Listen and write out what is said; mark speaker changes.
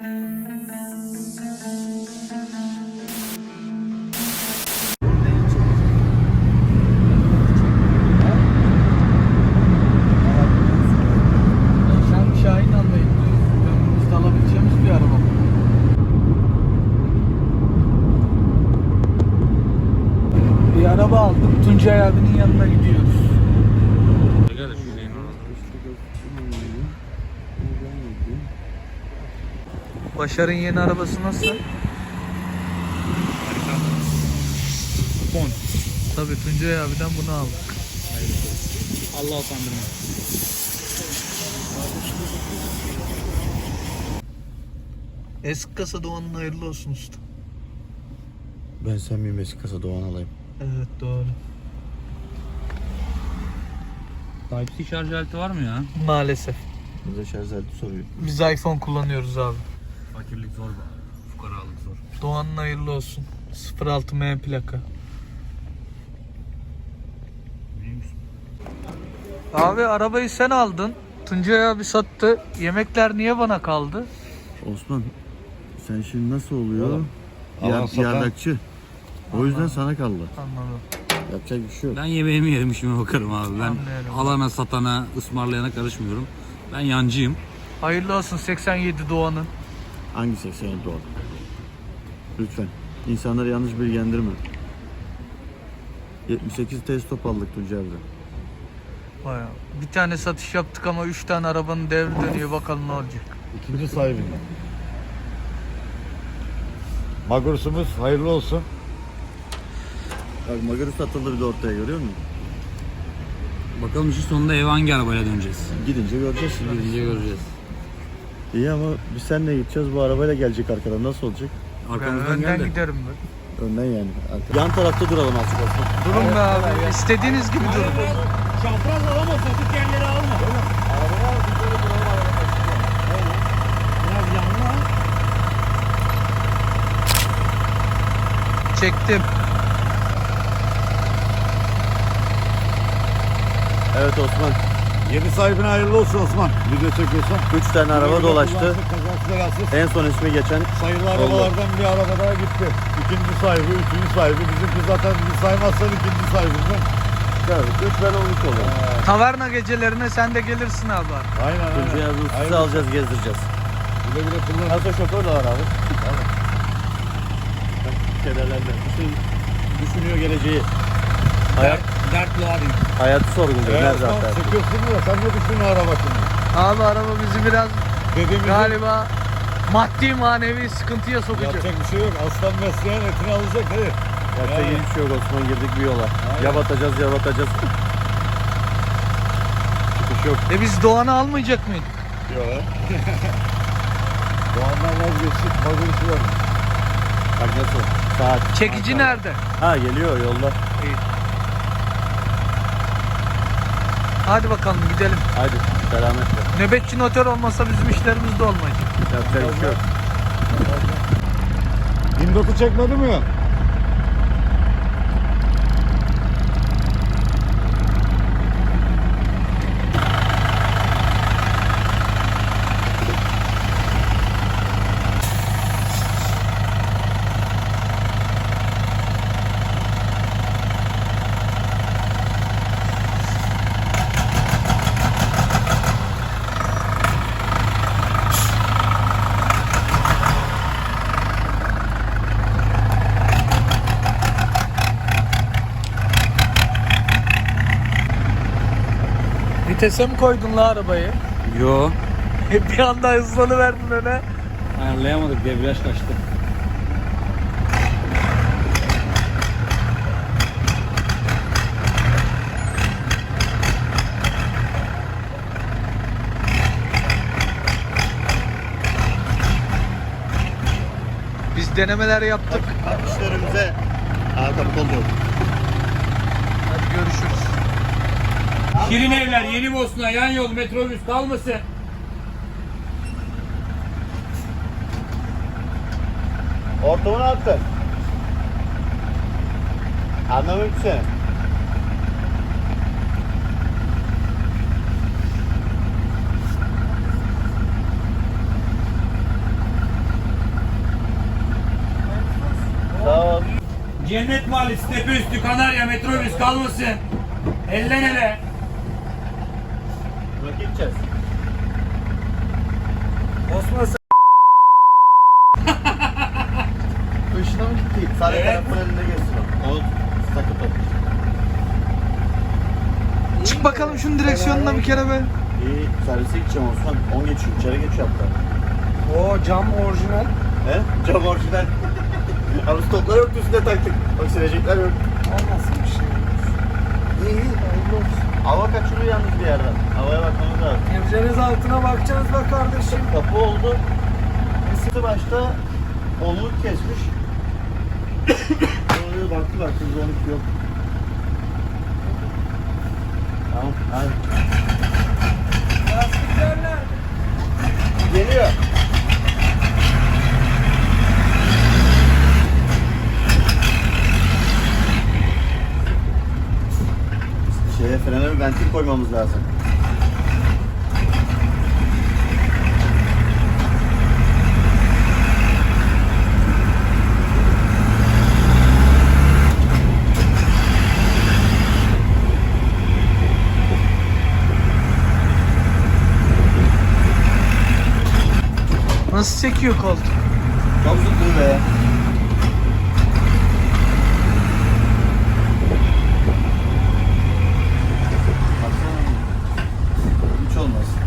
Speaker 1: Araba aldım. Tuncay abinin yanına gidiyoruz. Başar'ın yeni arabası nasıl?
Speaker 2: Fon.
Speaker 1: Tabii Tuncay abiden bunu aldık.
Speaker 2: Allah utandırma.
Speaker 1: Eski kasa Doğan'ın hayırlı olsun usta.
Speaker 3: Ben sen miyim eski kasa Doğan alayım?
Speaker 1: Evet doğru.
Speaker 2: Type-C şarj aleti var mı ya?
Speaker 1: Maalesef.
Speaker 3: Bize şarj aleti soruyor.
Speaker 1: Biz iPhone kullanıyoruz abi.
Speaker 2: Fakirlik zor be. Fukaralık zor.
Speaker 1: Doğan'ın hayırlı olsun. 06 M plaka.
Speaker 2: Neymiş?
Speaker 1: Abi arabayı sen aldın. Tuncay abi sattı. Yemekler niye bana kaldı?
Speaker 3: Osman sen şimdi nasıl oluyor?
Speaker 4: Oğlum, alan satan-
Speaker 3: Yardakçı. O yüzden sana kaldı.
Speaker 1: Anladım.
Speaker 3: Yapacak bir şey yok.
Speaker 2: Ben yemeğimi yerim, işime bakarım abi. Ben
Speaker 1: Anlıyorum.
Speaker 2: alana, satana, ısmarlayana karışmıyorum. Ben yancıyım.
Speaker 1: Hayırlı olsun 87 Doğan'ın.
Speaker 3: Hangi 87 Doğan? Lütfen. İnsanları yanlış bilgilendirme. 78 test top aldık Tuncay abi.
Speaker 1: Bayağı. Bir tane satış yaptık ama 3 tane arabanın devri dönüyor, bakalım ne olacak.
Speaker 4: İkinci sahibinden. Magursumuz hayırlı olsun.
Speaker 3: Bak Magarus satıldı bir de ortaya, görüyor musun?
Speaker 2: Bakalım işin sonunda eve hangi arabayla döneceğiz?
Speaker 3: Gidince göreceğiz şimdi.
Speaker 2: Gidince göreceğiz.
Speaker 3: İyi ama biz seninle gideceğiz, bu arabayla gelecek arkadan, nasıl olacak?
Speaker 1: Ben
Speaker 2: Arkamızdan
Speaker 1: önden
Speaker 2: gel de.
Speaker 1: giderim ben.
Speaker 3: Önden yani. Yan tarafta duralım azıcık olsun.
Speaker 1: Durun be abi. İstediğiniz gibi durun.
Speaker 2: Çapraz alama, sapık yerleri alma. Biraz yanına al.
Speaker 1: Çektim.
Speaker 3: Evet Osman.
Speaker 4: Yeni sahibine hayırlı olsun Osman. Video çekiyorsan.
Speaker 3: 3 tane araba dolaştı.
Speaker 4: Kazasız belasız.
Speaker 3: En son ismi geçen
Speaker 4: Sayılı arabalardan bir araba daha gitti. İkinci sahibi, üçüncü sahibi. Bizimki zaten saymazsan ikinci sahibimizden.
Speaker 3: gördük. 3 ben 13 oluyor.
Speaker 1: Taverna gecelerine sen de gelirsin abi.
Speaker 4: Aynen aynen.
Speaker 3: Tuncay abi sizi
Speaker 4: Hayırlı
Speaker 3: alacağız, gezdireceğiz.
Speaker 4: Güle güle kullan.
Speaker 3: Nasıl şoför de var abi. Kederlerle. Düşünüyor geleceği.
Speaker 2: Dertli abi.
Speaker 3: Hayatı sorguluyor.
Speaker 4: Evet,
Speaker 3: Nerede
Speaker 4: Osman,
Speaker 3: hatta?
Speaker 4: çekiyorsun da sen ne düşünüyorsun araba şimdi?
Speaker 1: Abi araba bizi biraz
Speaker 4: Dediğimiz
Speaker 1: galiba maddi manevi sıkıntıya sokacak.
Speaker 4: yapacak bir şey yok. Aslan besleyen etini alacak hadi.
Speaker 3: Yapacak
Speaker 4: Yani.
Speaker 3: hiçbir şey yok Osman, girdik bir yola.
Speaker 4: Aynen.
Speaker 3: Ya batacağız ya batacağız. Çıkış yok.
Speaker 1: Biz Doğan'ı almayacak mıydık?
Speaker 4: Yok ha. Doğan'dan vazgeçtik. Magurus'u var.
Speaker 3: Bak nasıl? Saat.
Speaker 1: Çekici nerede?
Speaker 3: Ha geliyor yolda.
Speaker 1: İyi. Hadi bakalım gidelim.
Speaker 3: Haydi selametle.
Speaker 1: Nöbetçi notör olmasa bizim işlerimiz de olmayacak.
Speaker 3: Yapacak bir şey yok.
Speaker 4: 29 çekmedi mi?
Speaker 1: Vitese mi koydun la arabayı?
Speaker 2: Yo.
Speaker 1: Bir anda hızlanıverdin öne.
Speaker 2: Ayarlayamadık, debriyaj kaçtı.
Speaker 1: Biz denemeler yaptık.
Speaker 3: İşlerimize arka kol yok.
Speaker 1: Hadi görüşürüz.
Speaker 2: Şirin Evler, Yeni Bosna, yan yol, metrobüs kalmasın.
Speaker 3: Ortamı ne yaptın? Anlamadım ki seni.
Speaker 2: Cennet Mahallesi tepe üstü Kanarya metrobüs kalmasın. Elden ele.
Speaker 3: Bırak gideceğiz.
Speaker 2: Osman sen...
Speaker 3: Işına mı gitti? Sadece
Speaker 2: Evet.
Speaker 3: tarafın elinde geçsin o. Onu takıp tut.
Speaker 1: Çık bakalım şunun direksiyonuna bir kere be.
Speaker 3: İyi servise gideceğim Osman. 10 geçiyor. İçeri geçiyor hatta.
Speaker 5: O cam orijinal.
Speaker 3: He? Cam orijinal. Abi stoplar yok üstüne taktık. Bak silecekler yok.
Speaker 5: Olmasın bir şey. İyi, hayırlı olsun.
Speaker 3: Hava kaçırıyor yalnız bir yerden. Havaya bakmamız lazım.
Speaker 5: Evleriniz altına bakacağız be kardeşim.
Speaker 3: Kapı oldu. Isıtı başta 10'luk kesmiş. Oraya baktılar. Şimdi 12 yok. Tamam. Hadi.
Speaker 5: Lastikler nerede?
Speaker 3: Geliyor. Frene bir ventil koymamız lazım.
Speaker 1: Nasıl çekiyor koltuk?
Speaker 3: Çok zıttı be. Baksana. Hiç olmaz.